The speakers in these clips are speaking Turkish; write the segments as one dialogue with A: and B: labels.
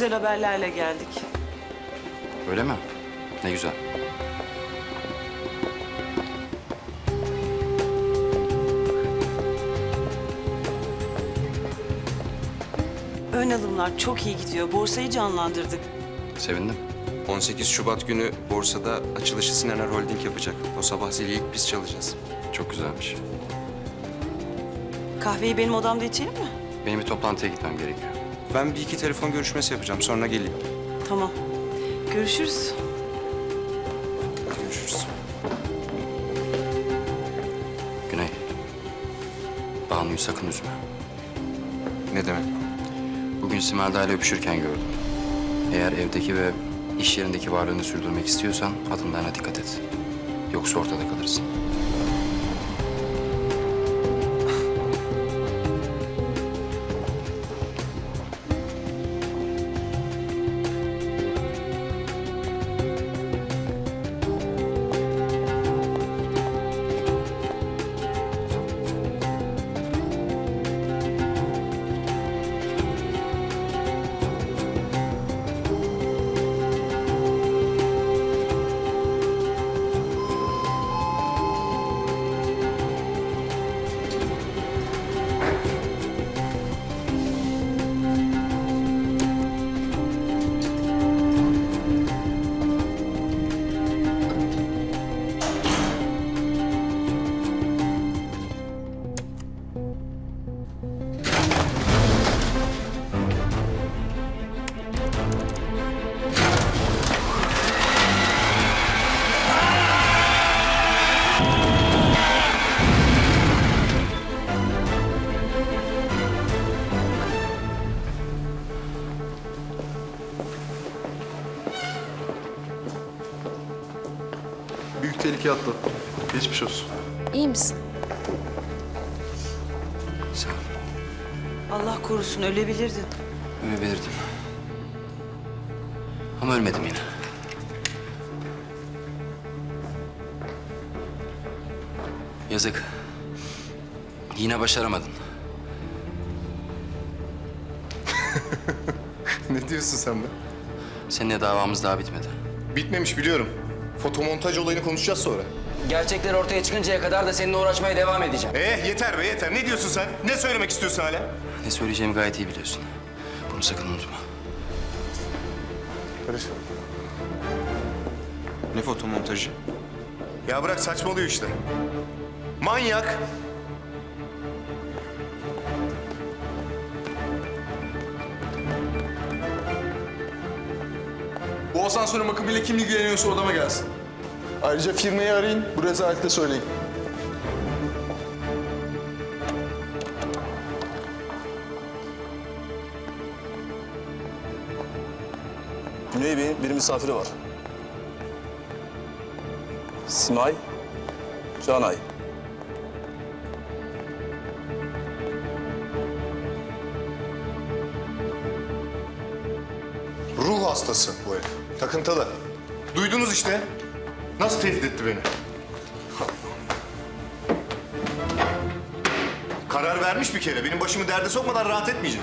A: güzel haberlerle geldik.
B: Öyle mi? Ne güzel.
A: Ön alımlar çok iyi gidiyor. Borsayı canlandırdık.
B: Sevindim.
C: 18 Şubat günü borsada açılışı Sinaner Holding yapacak. O sabah zili ilk biz çalacağız.
B: Çok güzelmiş.
A: Kahveyi benim odamda içelim mi?
B: Benim bir toplantıya gitmem gerekiyor.
C: Ben bir iki telefon görüşmesi yapacağım. Sonra geleyim.
A: Tamam. Görüşürüz.
C: Hadi görüşürüz.
B: Güney. Banu'yu sakın üzme.
C: Ne demek?
B: Bugün Simelda ile öpüşürken gördüm. Eğer evdeki ve iş yerindeki varlığını sürdürmek istiyorsan adımlarına dikkat et. Yoksa ortada kalırsın.
D: Büyük tehlike atlattım. Geçmiş olsun.
E: İyi misin?
B: Sağ ol.
A: Allah korusun ölebilirdin.
B: Ölebilirdim. Ama ölmedim yine. Yazık. Yine başaramadın.
D: Ne diyorsun sen be?
B: Seninle davamız daha bitmedi.
D: Bitmemiş biliyorum. Fotomontaj olayını konuşacağız sonra.
F: Gerçekler ortaya çıkıncaya kadar da seninle uğraşmaya devam edeceğim.
D: Yeter be yeter. Ne diyorsun sen? Ne söylemek istiyorsun hala?
B: Ne söyleyeceğimi gayet iyi biliyorsun. Bunu sakın unutma.
D: Barış.
C: Ne fotomontajı?
D: Ya bırak saçmalıyor işte. Manyak.
G: Bu asansöre bakımıyla kim ilgileniyorsa odama gelsin. Ayrıca firmayı arayın, bu rezalette söyleyin.
H: Güney Bey'in bir misafiri var. Simay Canay.
D: Ruh hastası bu herif. Takıntılı. Duydunuz işte. Nasıl tehdit etti beni? Karar vermiş bir kere. Benim başımı derde sokmadan rahat etmeyecek.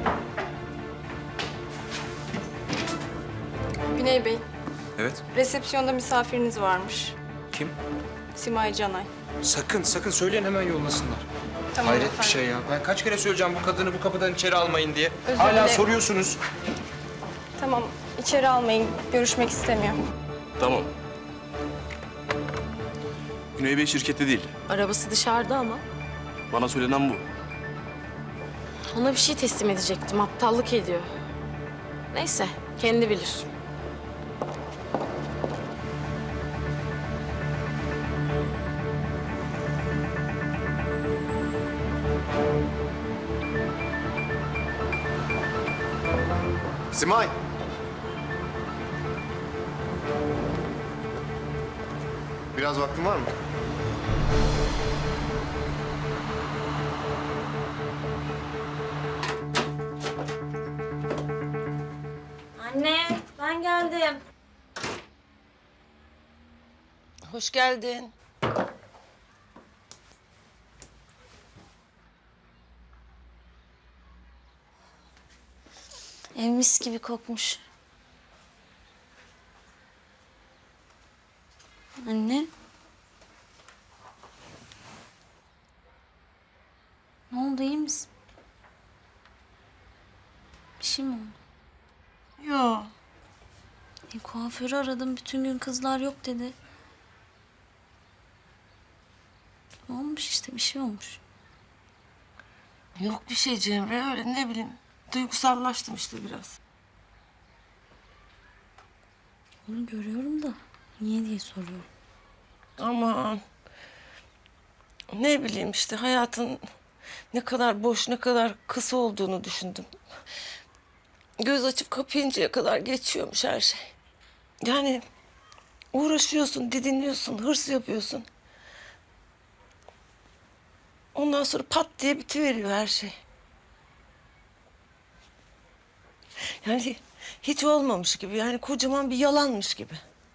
E: Güney Bey,
C: Evet.
E: resepsiyonda misafiriniz varmış.
C: Kim?
E: Simay Canay.
C: Sakın söyleyin hemen yollasınlar.
E: Tamam
C: Hayret
E: efendim.
C: bir şey ya. Ben kaç kere söyleyeceğim bu kadını bu kapıdan içeri almayın diye.
E: Özür
C: Hala
E: dilerim.
C: soruyorsunuz.
E: Tamam, içeri almayın. Görüşmek istemiyor.
H: Tamam. Güney Bey şirkette değil.
I: Arabası dışarıda ama.
H: Bana söylenen bu.
I: Ona bir şey teslim edecektim. Aptallık ediyor. Neyse, kendi bilir.
D: Simay. Biraz vaktin var mı?
J: Anne, ben geldim.
I: Hoş geldin.
J: Ev mis gibi kokmuş. Anne. Ne oldu, iyi misin? Bir şey mi oldu?
K: Yok.
J: Kuaförü aradım, bütün gün kızlar yok dedi. Olmuş işte, bir şey olmuş.
K: Yok bir şey Cemre, öyle ne bileyim. Duygusallaştım işte biraz.
J: Onu görüyorum da niye diye soruyorum.
K: Aman. Ne bileyim işte hayatın ne kadar boş, ne kadar kısa olduğunu düşündüm. Göz açıp kapayıncaya kadar geçiyormuş her şey. Yani uğraşıyorsun, didiniyorsun, hırs yapıyorsun. Ondan sonra pat diye bitiveriyor her şey. Yani hiç olmamış gibi, yani kocaman bir yalanmış gibi.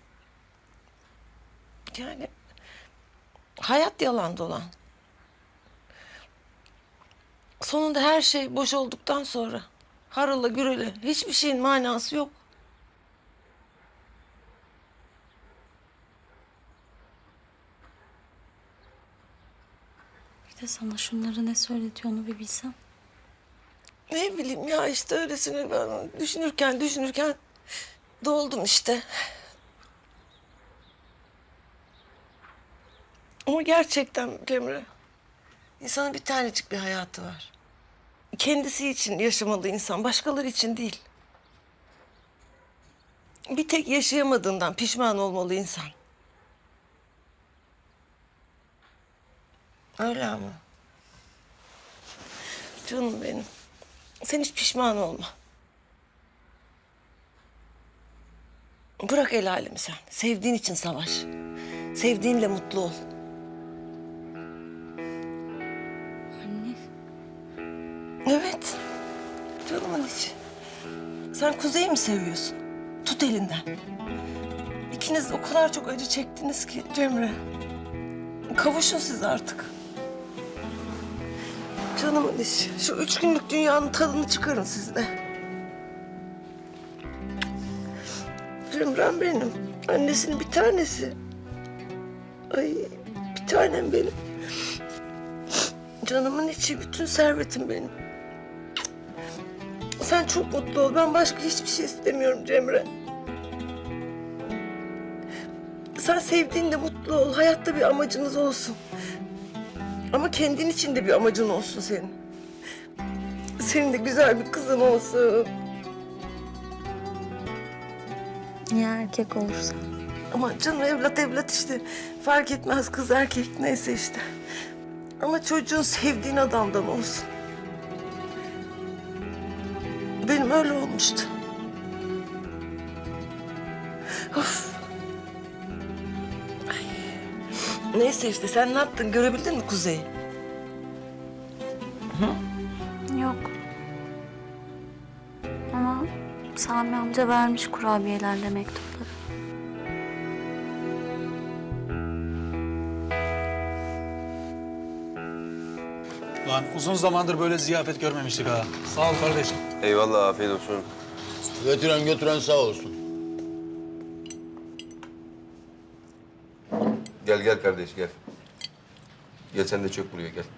K: Yani hayat yalan dolan. Sonunda her şey boş olduktan sonra harala gürele hiçbir şeyin manası yok.
J: Bir de sana şunları ne söyletiyor onu bir bilsem.
K: Ne bileyim ya işte öylesine ben düşünürken doldum işte. Ama gerçekten Cemre, insanın bir tanecik bir hayatı var. Kendisi için yaşamalı insan, başkaları için değil. Bir tek yaşayamadığından pişman olmalı insan. Öyle ama. Canım benim. Sen hiç pişman olma. Bırak el alemi sen. Sevdiğin için savaş. Sevdiğinle mutlu ol.
J: Anne.
K: Evet. Canımın içi. Sen Kuzey'i mi seviyorsun? Tut elinden. İkiniz de o kadar çok acı çektiniz ki Cemre. Kavuşun siz artık. Canımın içi. Şu 3 günlük dünyanın tadını çıkarın siz de. Cemre'm benim. Annesinin bir tanesi. Ay bir tanem benim. Canımın içi, bütün servetim benim. Sen çok mutlu ol. Ben başka hiçbir şey istemiyorum Cemre. Sen sevdiğinde mutlu ol. Hayatta bir amacınız olsun. Ama kendin için de bir amacın olsun senin. Senin de güzel bir kızın olsun.
J: Ya erkek olursa?
K: Ama canım evlat işte. Fark etmez kız erkek neyse işte. Ama çocuğun sevdiğin adamdan olsun. Benim öyle olmuştu. Of. Ay. Neyse işte sen ne yaptın? Görebildin mi Kuzey'i?
J: Yok. Ama Sami amca vermiş kurabiyelerle mektupları.
L: Lan uzun zamandır böyle ziyafet görmemiştik ha. Sağ ol kardeşim.
C: Eyvallah, afiyet olsun.
L: Götüren sağ olsun.
C: Gel kardeş, gel. Gel sen de çök buraya, gel.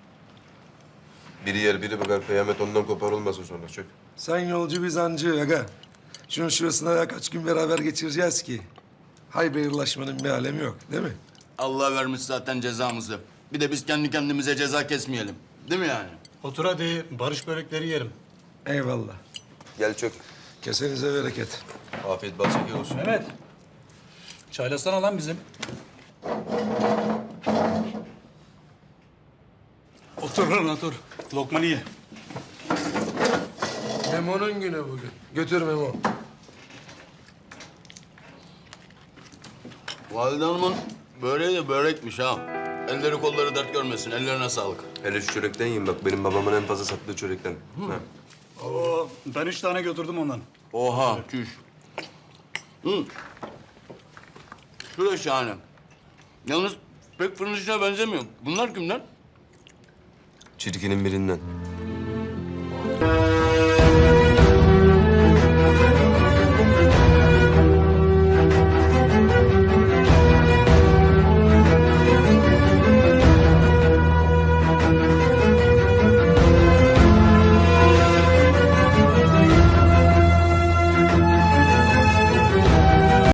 C: Biri yer, biri bakar. Kıyamet ondan kopar olmasın sonra, çök.
M: Sen yolcu biz ancı aga. Şunun şurasına ya kaç gün beraber geçireceğiz ki. Haybeyirlaşmanın bir alemi yok değil mi?
L: Allah vermiş zaten cezamızı. Bir de biz kendi kendimize ceza kesmeyelim. Değil mi yani? Otur hadi. Barış börekleri yerim.
M: Eyvallah.
C: Gel çök.
M: Kesenize bereket.
C: Afiyet bal şeker olsun.
L: Mehmet. Çaylasana lan bizim. Otur lan otur. Lokmanı ye.
M: Memo'nun günü bugün. Götür Memo.
L: Valide Hanım'ın böreği de börekmiş ha. Elleri kolları dert görmesin. Ellerine sağlık.
C: Hele şu çörekten yiyin bak. Benim babamın en fazla sattığı çörekten. Ha.
L: Oo, ben 3 tane götürdüm ondan. Oha, çüş. Hı. Şu da şahane. Yalnız pek fırın işine benzemiyor. Bunlar kimden?
C: Çirkinin birinden.